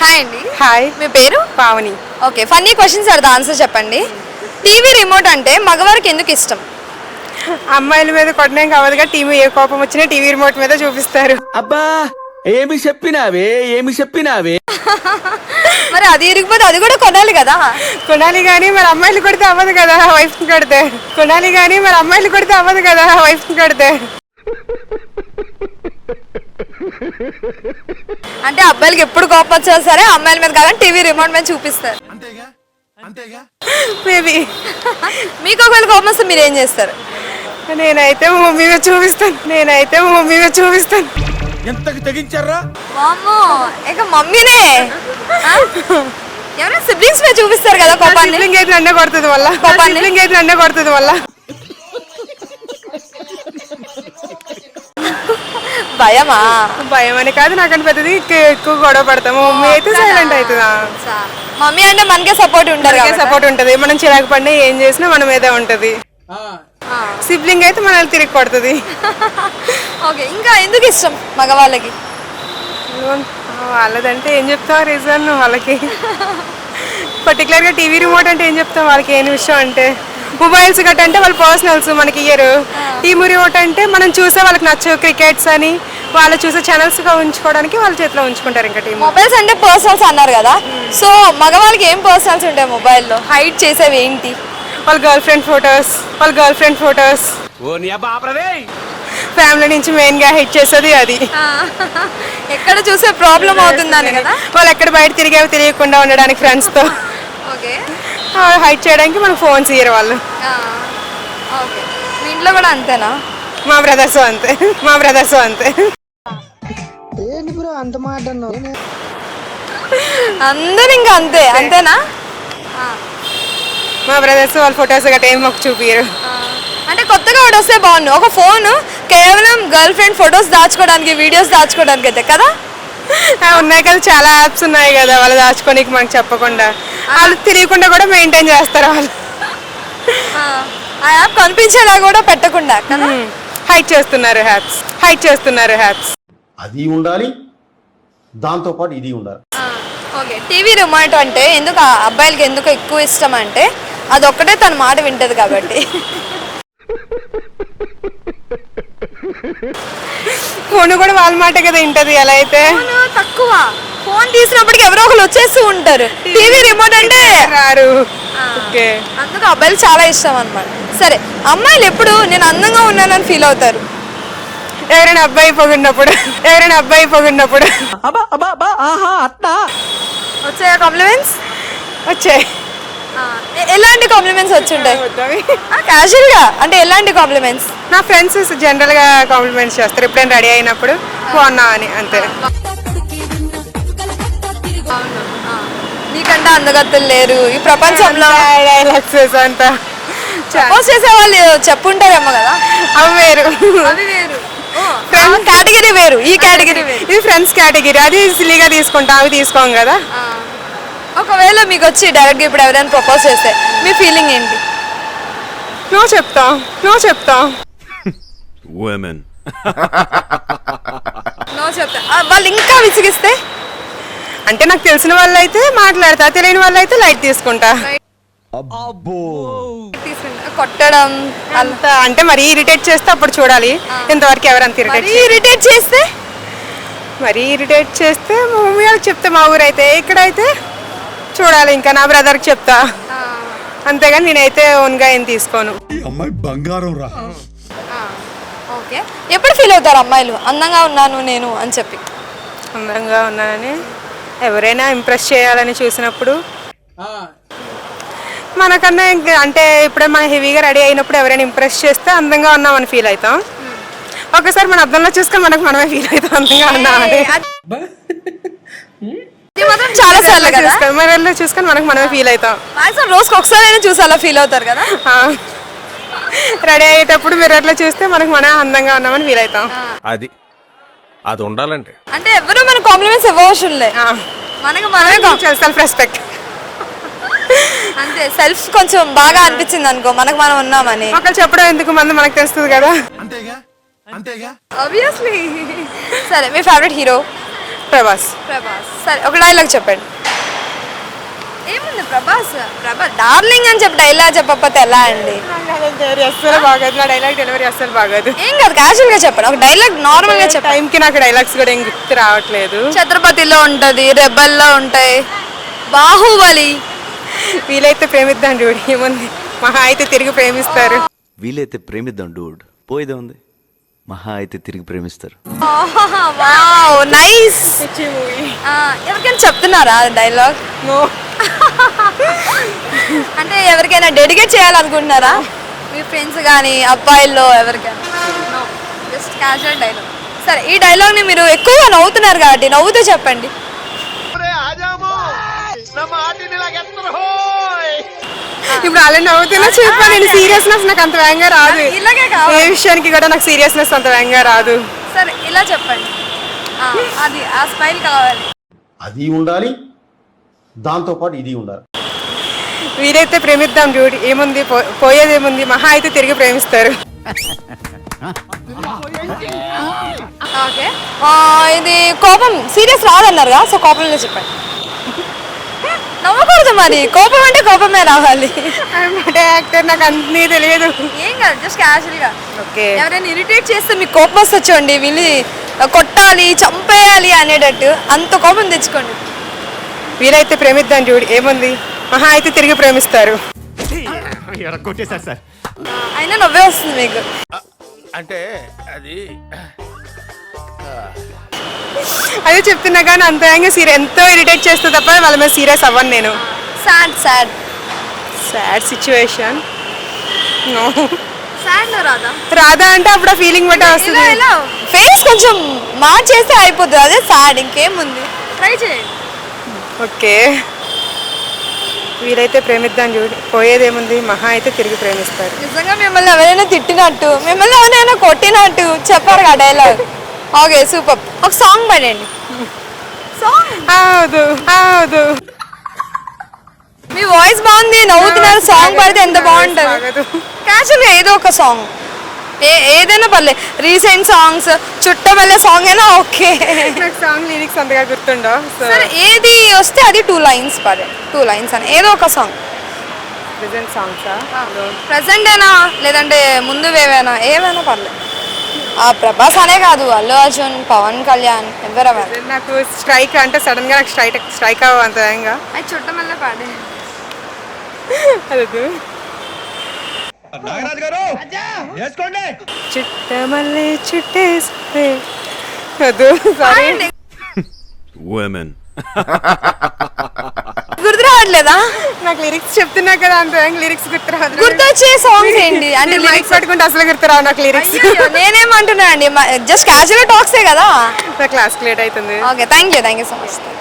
Hi అండి. Hi, మీ పేరు? పావని. ఓకే, ఫన్నీ క్వశ్చన్స్ అడతా, ఆన్సర్ చెప్పండి. టీవీ రిమోట్ అంటే మగవారికి ఎందుకు ఇష్టం? అమ్మాయిల మీద కొట్టడం కావదుగా, టీవీ ఏ కోపం వచ్చినా టీవీ రిమోట్ మీద చూపిస్తారు. అబ్బా ఏమి చెప్పినావే మరి అది ఇరిగిపోతే అది కూడా కొనాలి కదా. కొనాలి కానీ మరి అమ్మాయిలు కొడితే అవ్వదు కదా, వైఫ్ కొడితే. కొనాలి కానీ మరి అమ్మాయిలు కొడితే అవ్వదు కదా, వైఫ్ కొడితే. అంటే అబ్బాయిలకి ఎప్పుడు కోపం వచ్చినా సరే అమ్మాయిల మీద కాదని టీవీ రిమోట్ మీద చూపిస్తారు. మేబీ. మీకు ఒకవేళ కోపం వస్తే మీరు ఏం చేస్తారు? నేనైతే మా మమ్మీ మీద చూపిస్తాను. ఎంతకి తెగించారా? వామ్మో, ఇక మమ్మీనే. ఎవరైనా సిబ్లింగ్స్ మీద చూపిస్తారు కదా కోపాన్ని. సిబ్లింగ్ అయితే నన్నే కొడుతుంది వల్ల. భయమా? భయం అని కాదు, నాకంటే పెద్దది ఎక్కువ గొడవ పడతాము. మమ్మీ అయితే సైలెంట్ అవుతుందా. మమ్మీ అంటే మనకే సపోర్ట్ ఉంటారు, సపోర్ట్ ఉంటది. మనం చిరాకు పడినా ఏం చేసినా మన మీదే ఉంటది. సిబ్లింగ్ అయితే మనల్ని తిరిగి కొడుతుంది. ఓకే, ఇంకా ఎందుకు ఇష్టం మగవాళ్ళకి? వాళ్ళదంటే ఏం చెప్తావు రీజన్ వాళ్ళకి. పర్టికులర్గా టీవీ రిమోట్ అంటే ఏం చెప్తాం వాళ్ళకి, ఏం విషయం అంటే మొబైల్స్ గట్ట అంటే వాళ్ళు పర్సనల్స్ మనకి ఇయ్యరు. టీవీ రిమోట్ అంటే మనం చూసే వాళ్ళకి నచ్చు, క్రికెట్స్ అని వాళ్ళు చూసే ఛానల్స్ గా ఉంచుకోవడానికి వాళ్ళ చేతిలో ఉంచుకుంటారు. ఇంకా టీవీ మొబైల్స్ అంటే పర్సనల్స్ అన్నారు కదా, సో మగవాళ్ళకి ఏం పర్సనల్స్ ఉంటాయి మొబైల్లో? హైడ్ చేసేవి ఏంటి? వాళ్ళ గర్ల్ ఫ్రెండ్ ఫొటోస్. ఫ్యామిలీ నుంచి మెయిన్ గా హైడ్ చేసేది అది. ఎక్కడ చూసే ప్రాబ్లం అవుతుందని కదా. వాళ్ళు ఎక్కడ బయట తిరిగేవి తెలియకుండా ఉండడానికి ఫ్రెండ్స్ తో. ఓకే, హైడ్ చేయడానికి మనకు ఫోన్స్ ఇయ్యరు వాళ్ళు. ఓకే, మీ ఇంట్లో కూడా అంతేనా? మా బ్రదర్స్ అంతే. ఏంటి బ్రో అంత మాట అన్నావు? అందరు ఇంకా అంతేనా? మా బ్రదర్స్ వాళ్ళ ఫొటోస్ గట్రా ఏం మాకు చూపియరు. అంటే కొత్తగా ఒకటి వస్తే బాగుండు, ఒక ఫోన్ కేవలం గర్ల్ ఫ్రెండ్ ఫొటోస్ దాచుకోవడానికి, వీడియోస్ దాచుకోవడానికి అయితే కదా. ఉన్నాయి కదా, చాలా యాప్స్ ఉన్నాయి కదా వాళ్ళు దాచుకోనికి మనకు చెప్పకుండా. వాళ్ళు తెలియకుండా కూడా మెయింటైన్ చేస్తారు వాళ్ళు. ఆ యాప్ కనిపించేలా కూడా పెట్టకుండా కదా హైడ్ చేస్తున్నారు హ్యాప్స్. అది ఉండాలి, దాంతో పాటు ఇది ఉండాలి. ఓకే, టీవీ రిమోట్ అంటే ఎందుకు అబ్బాయిలకి ఎందుకు ఎక్కువ ఇష్టం అంటే అది ఒక్కటే తన మాట వింటది కాబట్టి. ఫోన్ కూడా వాళ్ళ మాట కదా వింటది. ఎలా అయితే తక్కువ ఫోన్ తీసినప్పటికి ఎవరో ఒకరు వచ్చేస్తూ ఉంటారు. టీవీ రిమోట్ అంటే రారు. అందుకు అబ్బాయిలు చాలా ఇష్టం అన్నమాట. సరే, అమ్మాయిలు ఎప్పుడు నేను అందంగా ఉన్నానని ఫీల్ అవుతారు? ఎవరైనా అబ్బాయి పొగిడినప్పుడు. వచ్చాయా కాంప్లిమెంట్స్? వచ్చాయి. ఎలాంటి కాంప్లిమెంట్స్ వచ్చుంటాయి? క్యాజువల్ గా అంటే ఎలాంటి కాంప్లిమెంట్స్? నా ఫ్రెండ్స్ జనరల్ గా కాంప్లిమెంట్స్ చేస్తారు ఎప్పుడైనా రెడీ అయినప్పుడు, బాగున్నా అని, అంతే. నీకంటే అందగత్తలు లేరు ఈ ప్రపంచంలో డైలాగ్స్ అంతా సపోజ్ చేసే వాళ్ళు చెప్పుంటారేమో కదా. అవి వేరు. కేటగిరీ వేరు, ఈ కేటగిరీ వేరు. ఇది ఫ్రెండ్స్ కేటగిరీ, అది సిల్లీగా తీసుకుంటాం, అవి తీసుకోం కదా. ఒకవేళ మీకు వచ్చి డైరెక్ట్గా ఇప్పుడు ఎవరైనా ప్రపోజ్ చేస్తే మీ ఫీలింగ్ ఏంటి? నో చెప్తాం. నో చెప్తా. వాళ్ళు ఇంకా విసిగిస్తే? అంటే నాకు తెలిసిన వాళ్ళు అయితే మాట్లాడతా, తెలియని వాళ్ళు అయితే లైట్ తీసుకుంటా. కొట్టడం అంత అంటే మరీ ఇరిటేట్ చేస్తే అప్పుడు చూడాలి. ఇంతవరకు ఎవరంత ఇరిటేట్ చేస్తే? మరీ ఇరిటేట్ చేస్తే మా మమ్మీ వాళ్ళకి చెప్తే, మా ఊరైతే. ఇక్కడైతే చూడాలి, ఇంకా నా బ్రదర్కి చెప్తా. అంతేగాని నేనైతే ఓన్గా ఏం తీసుకోను. అమ్మాయి బంగారం రా. ఓకే, ఎప్పుడు ఫీల్ అవుతారు అమ్మాయిలు అందంగా ఉన్నాను నేను అని చెప్పి? అందంగా ఉన్నానని ఎవరైనా ఇంప్రెస్ చేయాలని చూసినప్పుడు, మనకన్నా అంటే ఇప్పుడే మనం హెవీగా రెడీ అయినప్పుడు ఎవరైనా ఇంప్రెస్ చేస్తే అందంగా ఉన్నామని ఫీల్ అవుతాం. ఒకసారి మన అద్దంలో చూసుకొని మనమే ఫీల్ అవుతాం అందంగా ఉన్నామని. చాలా సార్లు కదా మిర్రర్లో చూసుకొని మనమే ఫీల్ అవుతాం. రోజుకి ఒకసారి అయినా చూసి అలా ఫీల్ అవుతారు కదా. రెడీ అయ్యేటప్పుడు మిర్రర్లో చూస్తే మనం అందంగా ఉన్నామని ఫీల్ అవుతాం. అది ఉండాలంటే అంటే ఎవరు మన కాంప్లిమెంట్స్ ఇవ్వవసరం లే, మనమే సెల్ఫ్ రెస్పెక్ట్. అంతే, సెల్ఫ్ కొంచెం బాగా అనిపించింది అనుకో మనకు మనం ఉన్నామని. ఒకళ్ళు చెప్పడం ఎందుకు, మనకు తెలుస్తుంది కదా. ఆబ్వియస్లీ. సరే, మీ ఫేవరెట్ హీరో? ప్రభాస్. సరే ఒక డైలాగ్ చెప్పండి. ఏముంది ప్రభాస్ డార్లింగ్ అని చెప్పి డైలాగ్ చెప్పకపోతే ఎలా అండి? అస్సలు బాగోదు, నా డైలాగ్ డెలివరీ అస్సలు బాగోదు. ఏం కాదు, క్యాజువల్ గా చెప్పండి. ఒక డైలాగ్ నార్మల్ గా చెప్పండి. టైంకి నాకు డైలాగ్స్ కూడా ఏం గుర్తు రావట్లేదు. ఛత్రపతిలో ఉంటది, రెబల్లో ఉంటాయి, బాహుబలి. వీలైతే ప్రేమిద్దాం డూడ్, ఏముంది మహా అయితే తిరిగి ప్రేమిస్తారు. వీలైతే ప్రేమిద్దాం డూడ్, పోయేదే ఉంది, మహా అయితే తిరిగి ప్రేమిస్తారు. Wow nice. పిచ్చి మూవీ. ఎవరికైనా చెప్తున్నారా డైలాగ్? నో. అంటే ఎవరికైనా డెడికేట్ చేయాలనుకుంటున్నారా? మీ ఫ్రెండ్స్ కానీ అబ్బాయిల్లో ఎవరికైనా? Just casual dialogue. సరే ఈ డైలాగ్ని మీరు ఎక్కువగా నవ్వుతున్నారు కాబట్టి నవ్వుతూ చెప్పండి. ఇప్పుడు అలా నవ్వుతున్నా చెప్పా, నేను సీరియస్నెస్ నాకు అంత వేగంగా రాదు. ఇలాగే ఏ కావాలి. విషయానికి కూడా నాకు సీరియస్నెస్ అంత వేగంగా రాదు. సరే ఇలా చెప్పండి. అది ఆ స్మైల్ కావాలి. అది ఉండాలి, దాంతో పాటు ఇది ఉండాలి. వీలైతే ప్రేమిద్దాం డూడ్, ఏముంది పోయేది ఏముంది, మహా అయితే తిరిగి ప్రేమిస్తారు. ఓకే. ఇది కోపం సీరియస్ రాదన్నారుగా, సో కోపంలో చెప్పండి. నవ్వకూడదు మరి, కోపం అంటే కోపమే రావాలి. అంటే యాక్టర్ నాకు అన్నీ తెలియదు. ఏం కాదు, జస్ట్ క్యాజువల్గా. ఓకే. ఎవరైనా ఇరిటేట్ చేస్తే మీకు కోపం వస్తే చూడండి, వీళ్ళు కొట్టాలి చంపేయాలి అనేటట్టు అంత కోపం తెచ్చుకోండి. వీలైతే ప్రేమిద్దాం డూడ్, ఏముంది మహా అయితే తిరిగి ప్రేమిస్తారు. అయినా నవ్వే వస్తుంది మీకు. అంటే అది అదే చెప్తున్నా కానీ అంత ఎంతో ఇరిటేట్ చేస్తే తప్ప వాళ్ళ మీద సీరియస్ అవ్వను నేను. Sad sad sad situation. No. Sad రాదా? రాదా అంటే అప్పుడు ఆ ఫీలింగ్ బట్టే ఇలా వస్తుంది. ఇలా ఫేస్ కొంచెం మార్చేస్తే అయిపోతుంది, అదే సాడ్. ఇంకేముంది, ట్రై చేయండి. ఓకే. వీలైతే ప్రేమిద్దాం చూడు, పోయేదేముంది మహా అయితే తిరిగి ప్రేమిస్తారు. నిజంగా మిమ్మల్ని ఎవరైనా తిట్టినట్టు, మిమ్మల్ని ఎవరైనా కొట్టినట్టు చెప్పారు కదా డైలాగ్. Okay super. ఒక సాంగ్ పాడండి. సాంగ్ హౌదు హౌదు. మీ వాయిస్ బాగుంది, నవ్వుతున్నారు. సాంగ్ పాడితే ఎంత బాగుంటుంది. బాగోదు. క్యాజువల్గా ఏదో ఒక సాంగ్, ఏదైనా పర్లేదు. రీసెంట్ సాంగ్స్, చుట్టమల్లె సాంగ్ అయినా ఓకే. నాకు సాంగ్ లిరిక్స్ అంతగా గుర్తుండో. సరే ఏది వస్తే అది 2 lines పాడండి. 2 lines అని ఏదో ఒక సాంగ్. ప్రెజెంట్ సాంగ్సా? ప్రెసెంట్ అయినా లేదంటే ముందు ఏవైనా పర్లేదు. ప్రభాస్ అనే కాదు, అల్లు అర్జున్, పవన్ కళ్యాణ్, ఎవరైనా. నాకు స్ట్రైక్ అంటే సడన్ గా నాకు స్ట్రైక్ అవ్వ అంత వేగంగా. అది చుట్టమల్లె పాడే. అదు చుట్టమల్లె చుట్టేస్తే వద్దు, సారీ. గుర్తు రావట్లేదా? నాకు లిరిక్స్ చెప్తున్నా కదా, అంత వేగంగా లిరిక్స్ గుర్తు రాదు. గుర్తొచ్చే సాంగ్స్ ఏంటి అంటే లిరిక్స్ పట్టుకుంటే అసలు గుర్తు రావు నాకు లిరిక్స్. నేనేమంటున్నా అండి, జస్ట్ క్యాజువల్ టాక్సే కదా. నా క్లాస్కి లేట్ అవుతుంది. Okay thank you so much.